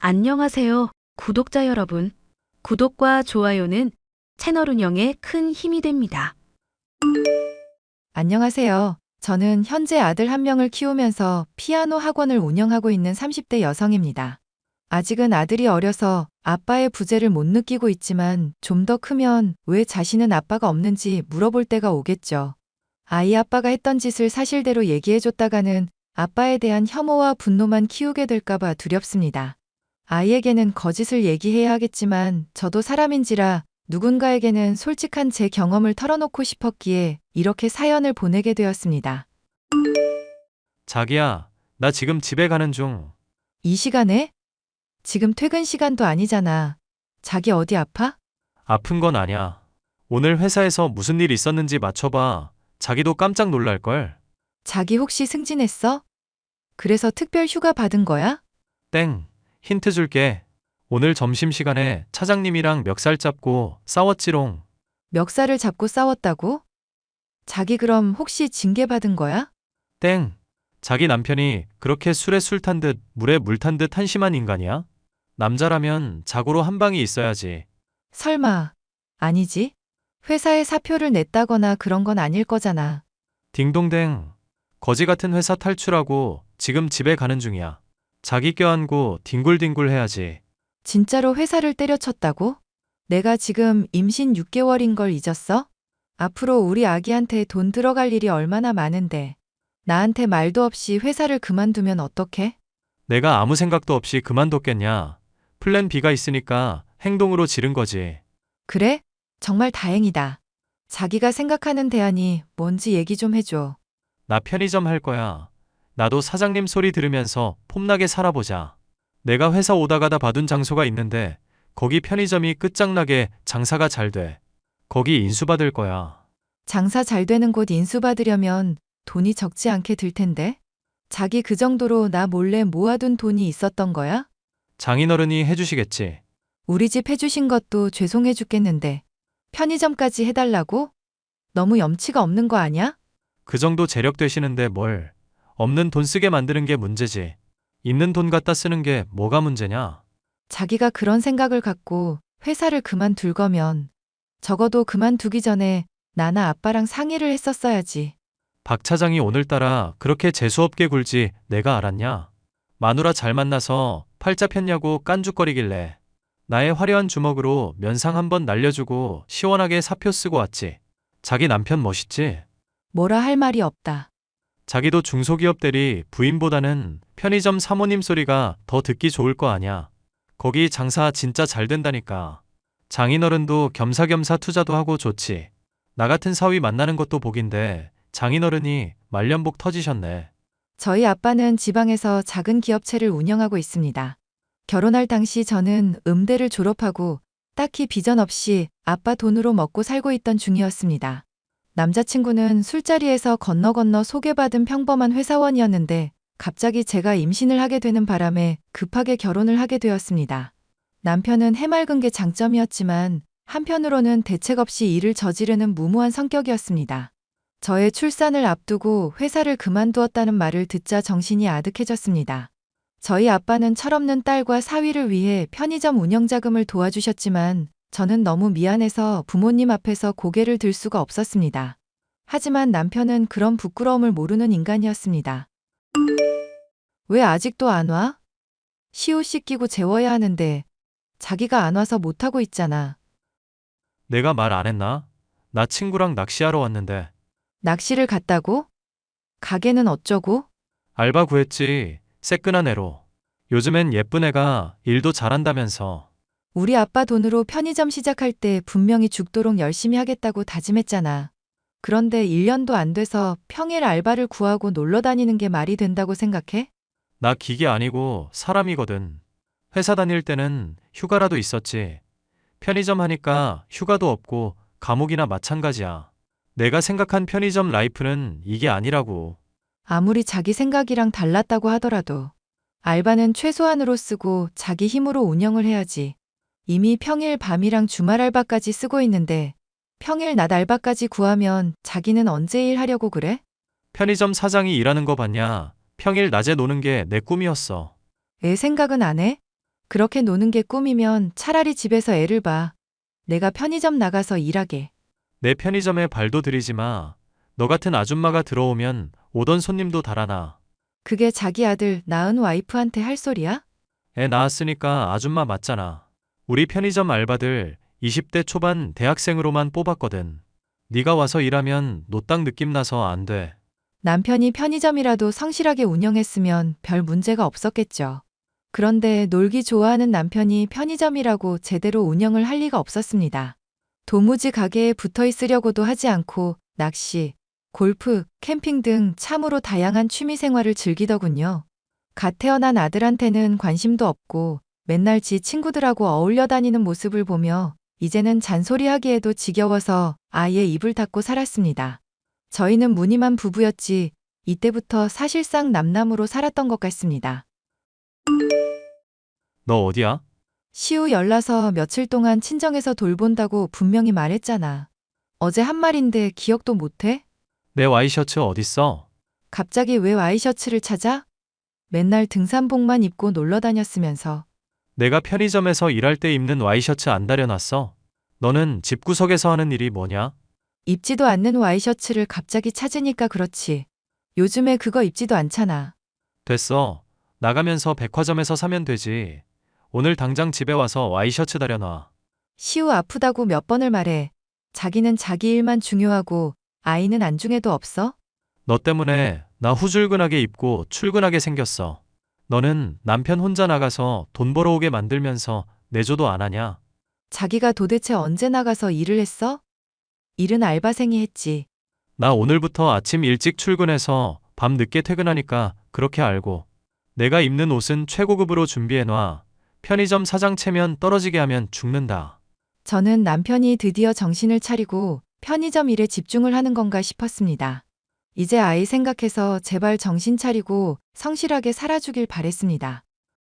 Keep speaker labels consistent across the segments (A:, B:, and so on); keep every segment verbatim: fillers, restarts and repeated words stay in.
A: 안녕하세요, 구독자 여러분. 구독과 좋아요는 채널 운영에 큰 힘이 됩니다.
B: 안녕하세요. 저는 현재 아들 한 명을 키우면서 피아노 학원을 운영하고 있는 삼십 대 여성입니다. 아직은 아들이 어려서 아빠의 부재를 못 느끼고 있지만 좀 더 크면 왜 자신은 아빠가 없는지 물어볼 때가 오겠죠. 아이 아빠가 했던 짓을 사실대로 얘기해줬다가는 아빠에 대한 혐오와 분노만 키우게 될까봐 두렵습니다. 아이에게는 거짓을 얘기해야 하겠지만 저도 사람인지라 누군가에게는 솔직한 제 경험을 털어놓고 싶었기에 이렇게 사연을 보내게 되었습니다.
C: 자기야, 나 지금 집에 가는 중.
B: 이 시간에? 지금 퇴근 시간도 아니잖아. 자기 어디 아파?
C: 아픈 건 아냐. 오늘 회사에서 무슨 일 있었는지 맞춰봐. 자기도 깜짝 놀랄걸.
B: 자기 혹시 승진했어? 그래서 특별 휴가 받은 거야?
C: 땡. 힌트 줄게. 오늘 점심시간에 차장님이랑 멱살 잡고 싸웠지롱.
B: 멱살을 잡고 싸웠다고? 자기 그럼 혹시 징계 받은 거야?
C: 땡. 자기 남편이 그렇게 술에 술 탄 듯 물에 물 탄 듯 한심한 인간이야? 남자라면 자고로 한 방이 있어야지.
B: 설마. 아니지? 회사에 사표를 냈다거나 그런 건 아닐 거잖아.
C: 딩동댕. 거지 같은 회사 탈출하고 지금 집에 가는 중이야. 자기 껴안고 뒹굴뒹굴 해야지.
B: 진짜로 회사를 때려쳤다고? 내가 지금 임신 육 개월인 걸 잊었어? 앞으로 우리 아기한테 돈 들어갈 일이 얼마나 많은데. 나한테 말도 없이 회사를 그만두면 어떡해?
C: 내가 아무 생각도 없이 그만뒀겠냐. 플랜 B가 있으니까 행동으로 지른 거지.
B: 그래? 정말 다행이다. 자기가 생각하는 대안이 뭔지 얘기 좀 해줘.
C: 나 편의점 할 거야. 나도 사장님 소리 들으면서 폼나게 살아보자. 내가 회사 오다 가다 봐둔 장소가 있는데 거기 편의점이 끝장나게 장사가 잘 돼. 거기 인수받을 거야.
B: 장사 잘 되는 곳 인수받으려면 돈이 적지 않게 들 텐데? 자기 그 정도로 나 몰래 모아둔 돈이 있었던 거야?
C: 장인어른이 해주시겠지.
B: 우리 집 해주신 것도 죄송해 죽겠는데. 편의점까지 해달라고? 너무 염치가 없는 거 아니야?
C: 그 정도 재력 되시는데 뭘. 없는 돈 쓰게 만드는 게 문제지. 있는 돈 갖다 쓰는 게 뭐가 문제냐.
B: 자기가 그런 생각을 갖고 회사를 그만둘 거면 적어도 그만두기 전에 나나 아빠랑 상의를 했었어야지.
C: 박 차장이 오늘따라 그렇게 재수없게 굴지 내가 알았냐. 마누라 잘 만나서 팔자 폈냐고 깐죽거리길래 나의 화려한 주먹으로 면상 한번 날려주고 시원하게 사표 쓰고 왔지. 자기 남편 멋있지?
B: 뭐라 할 말이 없다.
C: 자기도 중소기업 대리 부인보다는 편의점 사모님 소리가 더 듣기 좋을 거 아냐. 거기 장사 진짜 잘 된다니까. 장인어른도 겸사겸사 투자도 하고 좋지. 나 같은 사위 만나는 것도 복인데 장인어른이 말년복 터지셨네.
B: 저희 아빠는 지방에서 작은 기업체를 운영하고 있습니다. 결혼할 당시 저는 음대를 졸업하고 딱히 비전 없이 아빠 돈으로 먹고 살고 있던 중이었습니다. 남자친구는 술자리에서 건너 건너 소개받은 평범한 회사원이었는데 갑자기 제가 임신을 하게 되는 바람에 급하게 결혼을 하게 되었습니다. 남편은 해맑은 게 장점이었지만 한편으로는 대책 없이 일을 저지르는 무모한 성격이었습니다. 저의 출산을 앞두고 회사를 그만두었다는 말을 듣자 정신이 아득해졌습니다. 저희 아빠는 철없는 딸과 사위를 위해 편의점 운영 자금을 도와주셨지만 저는 너무 미안해서 부모님 앞에서 고개를 들 수가 없었습니다. 하지만 남편은 그런 부끄러움을 모르는 인간이었습니다. 왜 아직도 안 와? 시옷 씻기고 재워야 하는데 자기가 안 와서 못하고 있잖아.
C: 내가 말 안 했나? 나 친구랑 낚시하러 왔는데.
B: 낚시를 갔다고? 가게는 어쩌고?
C: 알바 구했지. 새끈한 애로. 요즘엔 예쁜 애가 일도 잘한다면서.
B: 우리 아빠 돈으로 편의점 시작할 때 분명히 죽도록 열심히 하겠다고 다짐했잖아. 그런데 일 년도 안 돼서 평일 알바를 구하고 놀러 다니는 게 말이 된다고 생각해?
C: 나 기계 아니고 사람이거든. 회사 다닐 때는 휴가라도 있었지. 편의점 하니까 휴가도 없고 감옥이나 마찬가지야. 내가 생각한 편의점 라이프는 이게 아니라고.
B: 아무리 자기 생각이랑 달랐다고 하더라도 알바는 최소한으로 쓰고 자기 힘으로 운영을 해야지. 이미 평일 밤이랑 주말 알바까지 쓰고 있는데 평일 낮 알바까지 구하면 자기는 언제 일하려고 그래?
C: 편의점 사장이 일하는 거 봤냐? 평일 낮에 노는 게 내 꿈이었어.
B: 애 생각은 안 해? 그렇게 노는 게 꿈이면 차라리 집에서 애를 봐. 내가 편의점 나가서 일하게.
C: 내 편의점에 발도 들이지 마. 너 같은 아줌마가 들어오면 오던 손님도 달아나.
B: 그게 자기 아들 낳은 와이프한테 할 소리야?
C: 애 낳았으니까 아줌마 맞잖아. 우리 편의점 알바들 이십 대 초반 대학생으로만 뽑았거든. 네가 와서 일하면 노땅 느낌 나서 안 돼.
B: 남편이 편의점이라도 성실하게 운영했으면 별 문제가 없었겠죠. 그런데 놀기 좋아하는 남편이 편의점이라고 제대로 운영을 할 리가 없었습니다. 도무지 가게에 붙어 있으려고도 하지 않고 낚시, 골프, 캠핑 등 참으로 다양한 취미 생활을 즐기더군요. 갓 태어난 아들한테는 관심도 없고 맨날 지 친구들하고 어울려 다니는 모습을 보며 이제는 잔소리하기에도 지겨워서 아예 입을 닫고 살았습니다. 저희는 무늬만 부부였지 이때부터 사실상 남남으로 살았던 것 같습니다.
C: 너 어디야?
B: 시우 열나서 며칠 동안 친정에서 돌본다고 분명히 말했잖아. 어제 한 말인데 기억도 못해?
C: 내 와이셔츠 어딨어?
B: 갑자기 왜 와이셔츠를 찾아? 맨날 등산복만 입고 놀러 다녔으면서.
C: 내가 편의점에서 일할 때 입는 와이셔츠 안 다려놨어? 너는 집구석에서 하는 일이 뭐냐?
B: 입지도 않는 와이셔츠를 갑자기 찾으니까 그렇지. 요즘에 그거 입지도 않잖아.
C: 됐어. 나가면서 백화점에서 사면 되지. 오늘 당장 집에 와서 와이셔츠 다려놔.
B: 시우 아프다고 몇 번을 말해. 자기는 자기 일만 중요하고 아이는 안중에도 없어?
C: 너 때문에 나 후줄근하게 입고 출근하게 생겼어. 너는 남편 혼자 나가서 돈 벌어오게 만들면서 내조도 안 하냐?
B: 자기가 도대체 언제 나가서 일을 했어? 일은 알바생이 했지.
C: 나 오늘부터 아침 일찍 출근해서 밤 늦게 퇴근하니까 그렇게 알고. 내가 입는 옷은 최고급으로 준비해놔. 편의점 사장 체면 떨어지게 하면 죽는다.
B: 저는 남편이 드디어 정신을 차리고 편의점 일에 집중을 하는 건가 싶었습니다. 이제 아이 생각해서 제발 정신 차리고 성실하게 살아주길 바랬습니다.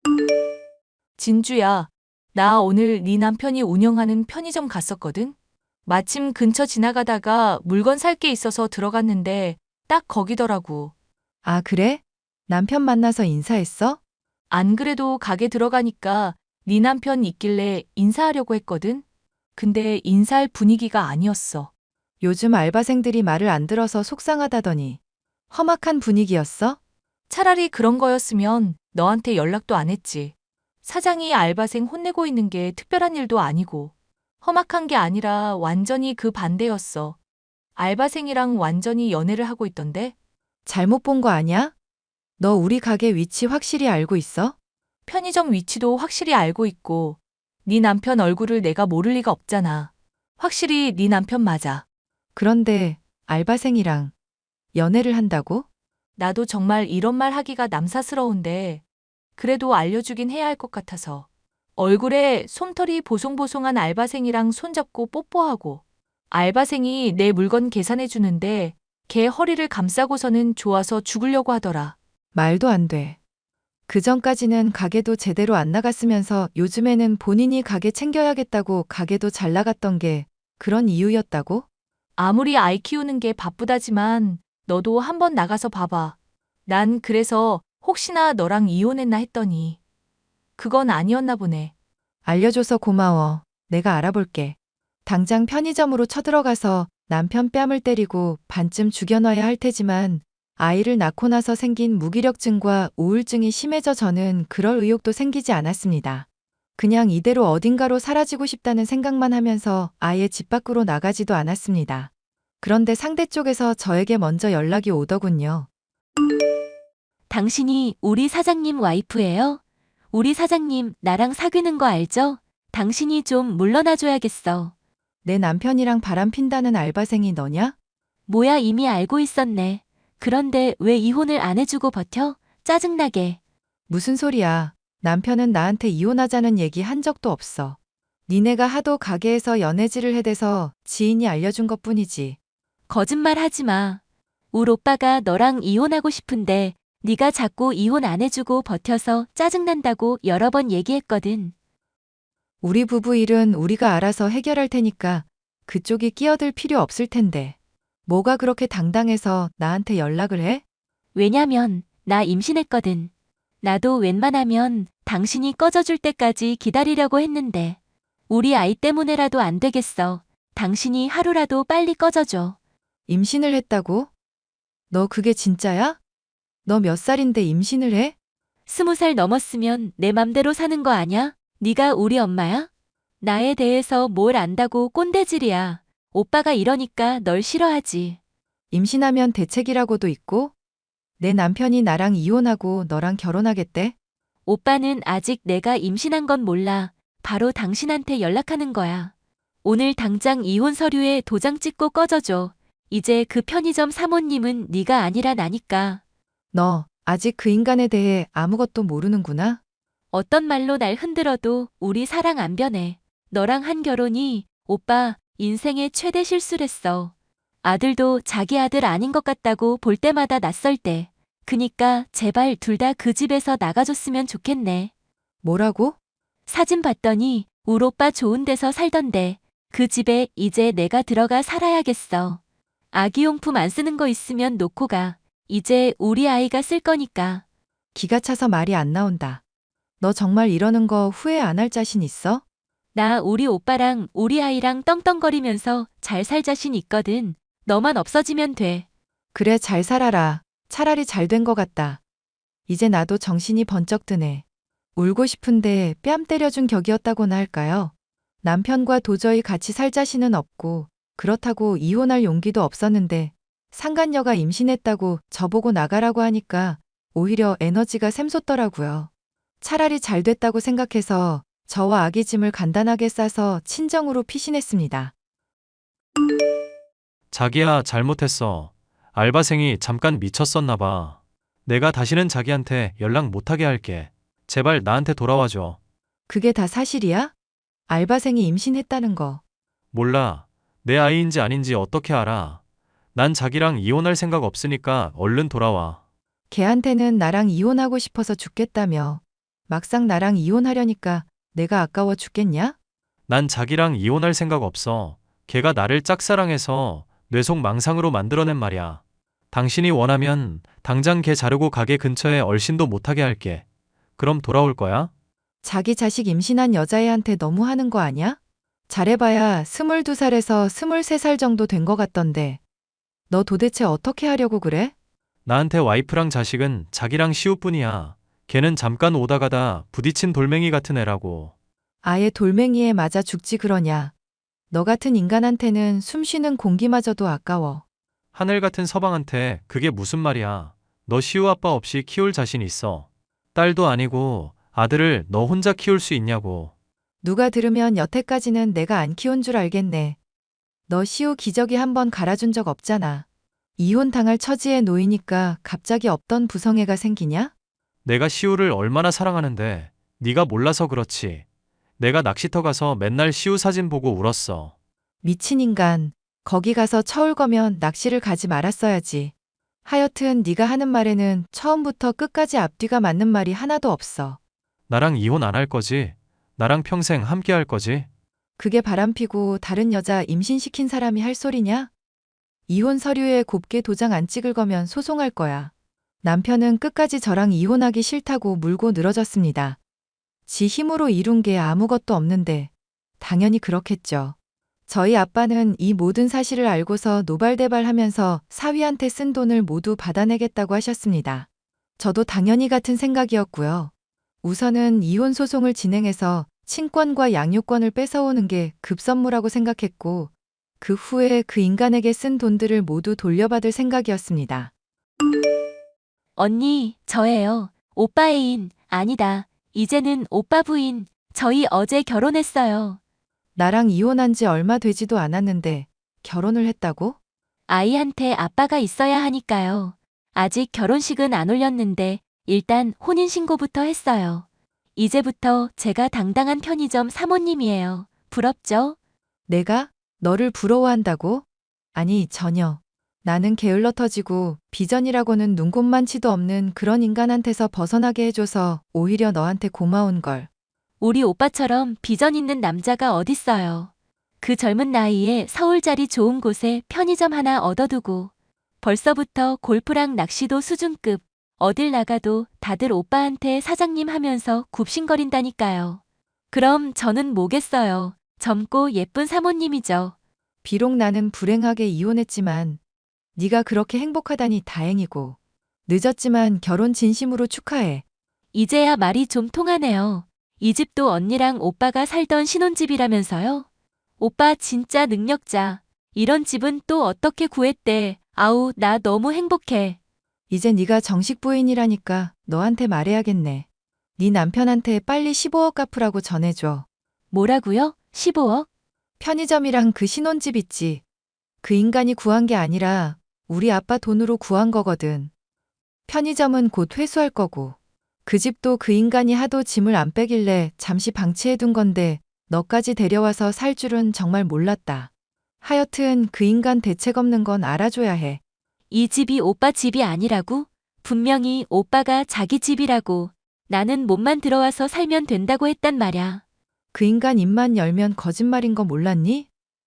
D: 진주야, 나 오늘 네 남편이 운영하는 편의점 갔었거든? 마침 근처 지나가다가 물건 살 게 있어서 들어갔는데 딱 거기더라고.
B: 아, 그래? 남편 만나서 인사했어?
D: 안 그래도 가게 들어가니까 네 남편 있길래 인사하려고 했거든? 근데 인사할 분위기가 아니었어.
B: 요즘 알바생들이 말을 안 들어서 속상하다더니. 험악한 분위기였어?
D: 차라리 그런 거였으면 너한테 연락도 안 했지. 사장이 알바생 혼내고 있는 게 특별한 일도 아니고 험악한 게 아니라 완전히 그 반대였어. 알바생이랑 완전히 연애를 하고 있던데?
B: 잘못 본 거 아니야? 너 우리 가게 위치 확실히 알고 있어?
D: 편의점 위치도 확실히 알고 있고 네 남편 얼굴을 내가 모를 리가 없잖아. 확실히 네 남편 맞아.
B: 그런데 알바생이랑 연애를 한다고?
D: 나도 정말 이런 말 하기가 남사스러운데 그래도 알려주긴 해야 할 것 같아서. 얼굴에 솜털이 보송보송한 알바생이랑 손잡고 뽀뽀하고 알바생이 내 물건 계산해 주는데 걔 허리를 감싸고서는 좋아서 죽으려고 하더라.
B: 말도 안 돼. 그 전까지는 가게도 제대로 안 나갔으면서 요즘에는 본인이 가게 챙겨야겠다고 가게도 잘 나갔던 게 그런 이유였다고?
D: 아무리 아이 키우는 게 바쁘다지만 너도 한번 나가서 봐봐. 난 그래서 혹시나 너랑 이혼했나 했더니 그건 아니었나 보네.
B: 알려줘서 고마워. 내가 알아볼게. 당장 편의점으로 쳐들어가서 남편 뺨을 때리고 반쯤 죽여놔야 할 테지만 아이를 낳고 나서 생긴 무기력증과 우울증이 심해져 저는 그럴 의욕도 생기지 않았습니다. 그냥 이대로 어딘가로 사라지고 싶다는 생각만 하면서 아예 집 밖으로 나가지도 않았습니다. 그런데 상대 쪽에서 저에게 먼저 연락이 오더군요.
E: 당신이 우리 사장님 와이프예요? 우리 사장님 나랑 사귀는 거 알죠? 당신이 좀 물러나줘야겠어.
B: 내 남편이랑 바람 핀다는 알바생이 너냐?
E: 뭐야 이미 알고 있었네. 그런데 왜 이혼을 안 해주고 버텨? 짜증나게.
B: 무슨 소리야. 남편은 나한테 이혼하자는 얘기 한 적도 없어. 니네가 하도 가게에서 연애질을 해대서 지인이 알려준 것뿐이지.
E: 거짓말 하지 마. 울 오빠가 너랑 이혼하고 싶은데 네가 자꾸 이혼 안 해주고 버텨서 짜증난다고 여러 번 얘기했거든.
B: 우리 부부 일은 우리가 알아서 해결할 테니까 그쪽이 끼어들 필요 없을 텐데. 뭐가 그렇게 당당해서 나한테 연락을 해?
E: 왜냐면 나 임신했거든. 나도 웬만하면 당신이 꺼져줄 때까지 기다리려고 했는데 우리 아이 때문에라도 안 되겠어. 당신이 하루라도 빨리 꺼져줘.
B: 임신을 했다고? 너 그게 진짜야? 너 몇 살인데 임신을 해?
E: 스무 살 넘었으면 내 맘대로 사는 거 아냐? 네가 우리 엄마야? 나에 대해서 뭘 안다고 꼰대질이야. 오빠가 이러니까 널 싫어하지.
B: 임신하면 대책이라고도 있고? 내 남편이 나랑 이혼하고 너랑 결혼하겠대?
E: 오빠는 아직 내가 임신한 건 몰라. 바로 당신한테 연락하는 거야. 오늘 당장 이혼 서류에 도장 찍고 꺼져줘. 이제 그 편의점 사모님은 네가 아니라 나니까.
B: 너 아직 그 인간에 대해 아무것도 모르는구나?
E: 어떤 말로 날 흔들어도 우리 사랑 안 변해. 너랑 한 결혼이 오빠 인생의 최대 실수랬어. 아들도 자기 아들 아닌 것 같다고 볼 때마다 낯설 때. 그니까 제발 둘 다 그 집에서 나가줬으면 좋겠네.
B: 뭐라고?
E: 사진 봤더니 울 오빠 좋은 데서 살던데 그 집에 이제 내가 들어가 살아야겠어. 아기용품 안 쓰는 거 있으면 놓고 가. 이제 우리 아이가 쓸 거니까.
B: 기가 차서 말이 안 나온다. 너 정말 이러는 거 후회 안 할 자신 있어?
E: 나 우리 오빠랑 우리 아이랑 떵떵거리면서 잘 살 자신 있거든. 너만 없어지면 돼.
B: 그래, 잘 살아라. 차라리 잘 된 거 같다. 이제 나도 정신이 번쩍 드네. 울고 싶은데 뺨 때려준 격이었다고나 할까요? 남편과 도저히 같이 살 자신은 없고 그렇다고 이혼할 용기도 없었는데 상간녀가 임신했다고 저보고 나가라고 하니까 오히려 에너지가 샘솟더라고요. 차라리 잘 됐다고 생각해서 저와 아기 짐을 간단하게 싸서 친정으로 피신했습니다.
C: 자기야, 잘못했어. 알바생이 잠깐 미쳤었나 봐. 내가 다시는 자기한테 연락 못하게 할게. 제발 나한테 돌아와줘.
B: 그게 다 사실이야? 알바생이 임신했다는 거.
C: 몰라. 내 아이인지 아닌지 어떻게 알아. 난 자기랑 이혼할 생각 없으니까 얼른 돌아와.
B: 걔한테는 나랑 이혼하고 싶어서 죽겠다며. 막상 나랑 이혼하려니까 내가 아까워 죽겠냐?
C: 난 자기랑 이혼할 생각 없어. 걔가 나를 짝사랑해서 뇌속 망상으로 만들어낸 말이야. 당신이 원하면 당장 걔 자르고 가게 근처에 얼씬도 못하게 할게. 그럼 돌아올 거야?
B: 자기 자식 임신한 여자애한테 너무 하는 거 아냐? 잘해봐야 스물두 살에서 스물세 살 정도 된 거 같던데. 너 도대체 어떻게 하려고 그래?
C: 나한테 와이프랑 자식은 자기랑 시우뿐이야. 걔는 잠깐 오다 가다 부딪힌 돌멩이 같은 애라고.
B: 아예 돌멩이에 맞아 죽지 그러냐. 너 같은 인간한테는 숨 쉬는 공기마저도 아까워.
C: 하늘 같은 서방한테 그게 무슨 말이야. 너 시우 아빠 없이 키울 자신 있어. 딸도 아니고 아들을 너 혼자 키울 수 있냐고.
B: 누가 들으면 여태까지는 내가 안 키운 줄 알겠네. 너 시우 기저귀 한 번 갈아준 적 없잖아. 이혼 당할 처지에 놓이니까 갑자기 없던 부성애가 생기냐?
C: 내가 시우를 얼마나 사랑하는데 네가 몰라서 그렇지. 내가 낚시터 가서 맨날 시우 사진 보고 울었어.
B: 미친 인간. 거기 가서 처울 거면 낚시를 가지 말았어야지. 하여튼 네가 하는 말에는 처음부터 끝까지 앞뒤가 맞는 말이 하나도 없어.
C: 나랑 이혼 안 할 거지? 나랑 평생 함께 할 거지?
B: 그게 바람피고 다른 여자 임신시킨 사람이 할 소리냐? 이혼 서류에 곱게 도장 안 찍을 거면 소송할 거야. 남편은 끝까지 저랑 이혼하기 싫다고 물고 늘어졌습니다. 지 힘으로 이룬 게 아무것도 없는데 당연히 그렇겠죠. 저희 아빠는 이 모든 사실을 알고서 노발대발하면서 사위한테 쓴 돈을 모두 받아내겠다고 하셨습니다. 저도 당연히 같은 생각이었고요. 우선은 이혼 소송을 진행해서 친권과 양육권을 뺏어오는 게 급선무라고 생각했고 그 후에 그 인간에게 쓴 돈들을 모두 돌려받을 생각이었습니다.
E: 언니, 저예요. 오빠 애인, 아니다. 이제는 오빠 부인. 저희 어제 결혼했어요.
B: 나랑 이혼한 지 얼마 되지도 않았는데 결혼을 했다고?
E: 아이한테 아빠가 있어야 하니까요. 아직 결혼식은 안 올렸는데 일단 혼인신고부터 했어요. 이제부터 제가 당당한 편의점 사모님이에요. 부럽죠?
B: 내가? 너를 부러워한다고? 아니, 전혀. 나는 게을러 터지고 비전이라고는 눈꼽만치도 없는 그런 인간한테서 벗어나게 해줘서 오히려 너한테 고마운 걸.
E: 우리 오빠처럼 비전 있는 남자가 어딨어요. 그 젊은 나이에 서울 자리 좋은 곳에 편의점 하나 얻어두고 벌써부터 골프랑 낚시도 수준급. 어딜 나가도 다들 오빠한테 사장님 하면서 굽신거린다니까요. 그럼 저는 뭐겠어요. 젊고 예쁜 사모님이죠.
B: 비록 나는 불행하게 이혼했지만 네가 그렇게 행복하다니 다행이고 늦었지만 결혼 진심으로 축하해.
E: 이제야 말이 좀 통하네요. 이 집도 언니랑 오빠가 살던 신혼집이라면서요? 오빠 진짜 능력자. 이런 집은 또 어떻게 구했대. 아우, 나 너무 행복해.
B: 이제 네가 정식 부인이라니까 너한테 말해야겠네. 네 남편한테 빨리 십오억 갚으라고 전해줘.
E: 뭐라고요? 십오억?
B: 편의점이랑 그 신혼집 있지. 그 인간이 구한 게 아니라 우리 아빠 돈으로 구한 거거든. 편의점은 곧 회수할 거고. 그 집도 그 인간이 하도 짐을 안 빼길래 잠시 방치해둔 건데 너까지 데려와서 살 줄은 정말 몰랐다. 하여튼 그 인간 대책 없는 건 알아줘야 해.
E: 이 집이 오빠 집이 아니라고? 분명히 오빠가 자기 집이라고. 나는 몸만 들어와서 살면 된다고 했단 말야.
B: 그 인간 입만 열면 거짓말인 거 몰랐니?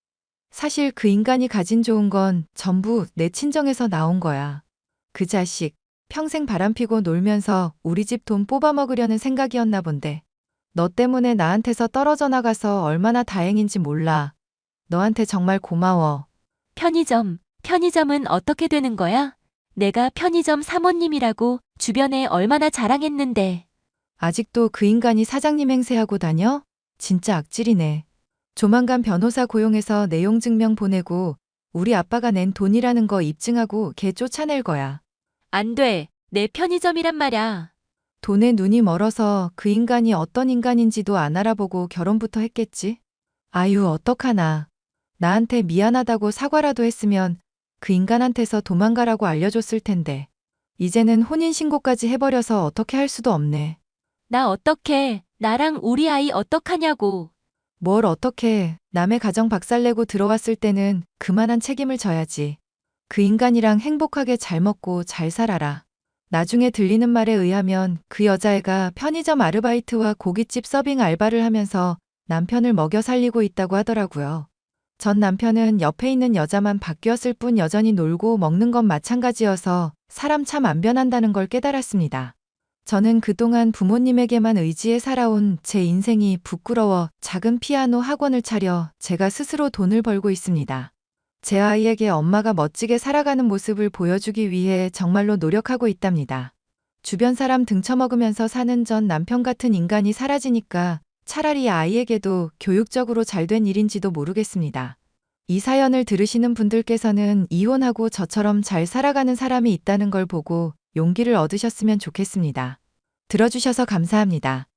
B: 사실 그 인간이 가진 좋은 건 전부 내 친정에서 나온 거야. 그 자식 평생 바람피고 놀면서 우리 집 돈 뽑아먹으려는 생각이었나 본데. 너 때문에 나한테서 떨어져 나가서 얼마나 다행인지 몰라. 너한테 정말 고마워.
E: 편의점, 편의점은 어떻게 되는 거야? 내가 편의점 사모님이라고 주변에 얼마나 자랑했는데.
B: 아직도 그 인간이 사장님 행세하고 다녀? 진짜 악질이네. 조만간 변호사 고용해서 내용 증명 보내고 우리 아빠가 낸 돈이라는 거 입증하고 걔 쫓아낼 거야.
E: 안 돼. 내 편의점이란 말야.
B: 돈에 눈이 멀어서 그 인간이 어떤 인간인지도 안 알아보고 결혼부터 했겠지? 아유, 어떡하나. 나한테 미안하다고 사과라도 했으면 그 인간한테서 도망가라고 알려줬을 텐데. 이제는 혼인신고까지 해버려서 어떻게 할 수도 없네.
E: 나 어떡해. 나랑 우리 아이 어떡하냐고.
B: 뭘 어떻게 남의 가정 박살내고 들어왔을 때는 그만한 책임을 져야지. 그 인간이랑 행복하게 잘 먹고 잘 살아라. 나중에 들리는 말에 의하면 그 여자애가 편의점 아르바이트와 고깃집 서빙 알바를 하면서 남편을 먹여 살리고 있다고 하더라고요. 전 남편은 옆에 있는 여자만 바뀌었을 뿐 여전히 놀고 먹는 건 마찬가지여서 사람 참 안 변한다는 걸 깨달았습니다. 저는 그동안 부모님에게만 의지해 살아온 제 인생이 부끄러워 작은 피아노 학원을 차려 제가 스스로 돈을 벌고 있습니다. 제 아이에게 엄마가 멋지게 살아가는 모습을 보여주기 위해 정말로 노력하고 있답니다. 주변 사람 등쳐먹으면서 사는 전 남편 같은 인간이 사라지니까 차라리 아이에게도 교육적으로 잘된 일인지도 모르겠습니다. 이 사연을 들으시는 분들께서는 이혼하고 저처럼 잘 살아가는 사람이 있다는 걸 보고 용기를 얻으셨으면 좋겠습니다. 들어주셔서 감사합니다.